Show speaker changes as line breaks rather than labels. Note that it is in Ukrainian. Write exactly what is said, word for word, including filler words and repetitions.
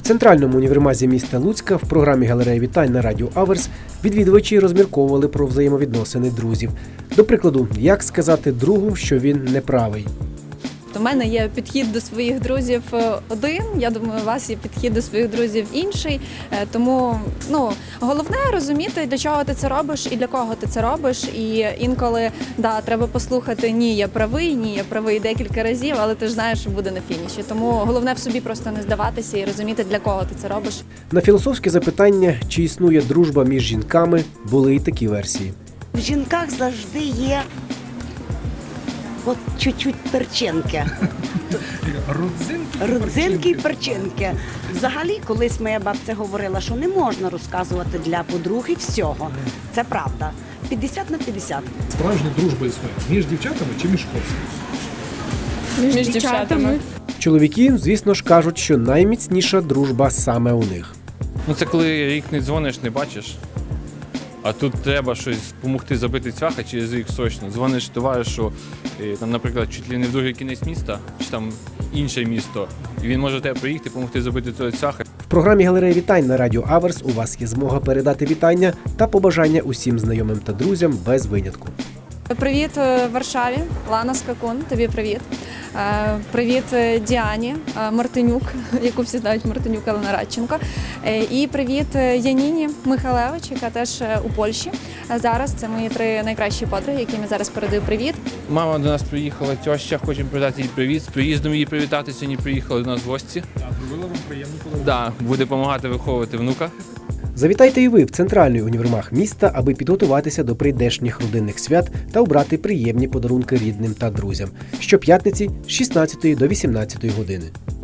центральному універмазі міста Луцька в програмі «Галерея вітань» на радіо Аверс відвідувачі розмірковували про взаємовідносини друзів. До прикладу, як сказати другу, що він неправий.
У мене є підхід до своїх друзів один, я думаю, у вас є підхід до своїх друзів інший. Тому ну, головне розуміти, для чого ти це робиш і для кого ти це робиш. І інколи да, треба послухати «ні, я правий», «ні, я правий» декілька разів, але ти ж знаєш, що буде на фініші. Тому головне в собі просто не здаватися і розуміти, для кого ти це робиш.
На філософське запитання, чи існує дружба між жінками, були і такі версії.
В жінках завжди є от чуть-чуть перчинки.
Родзинки,
Родзинки і перчинки. Взагалі, колись моя бабця говорила, що не можна розказувати для подруги всього. Це правда. п'ятдесят на п'ятдесят.
Справжня дружба існує між дівчатами чи між хлопцями?
Між, між дівчатами.
Чоловіки, звісно ж, кажуть, що найміцніша дружба саме у них.
Ну це коли рік не дзвониш, не бачиш. А тут треба щось допомогти забити цвяха через рік срочно. Дзвониш товаришу, там, наприклад, чуть ли не в другий кінець міста, чи там інше місто, і він може тебе приїхати, допомогти забити цього цвяха.
В програмі «Галерея вітань» на радіо Аверс у вас є змога передати вітання та побажання усім знайомим та друзям без винятку.
Привіт Варшаві, Лана Скакун, тобі привіт. Привіт Діані Мартинюк, яку всі знають Мартинюк, Олена Радченко. І привіт Яніні Михалевич, яка теж у Польщі. Зараз це мої три найкращі подруги, яким я зараз передаю привіт.
Мама до нас приїхала, тьоща, хочемо передати їй привіт. З приїздом її привітати, сьогодні приїхали до нас в гості.
Зробила вам приємну подарунок.
Да, буде допомагати виховувати внука.
Завітайте і ви в центральний універмаг міста, аби підготуватися до прийдешніх родинних свят та обрати приємні подарунки рідним та друзям. Щоп'ятниці з шістнадцятої до вісімнадцятої години.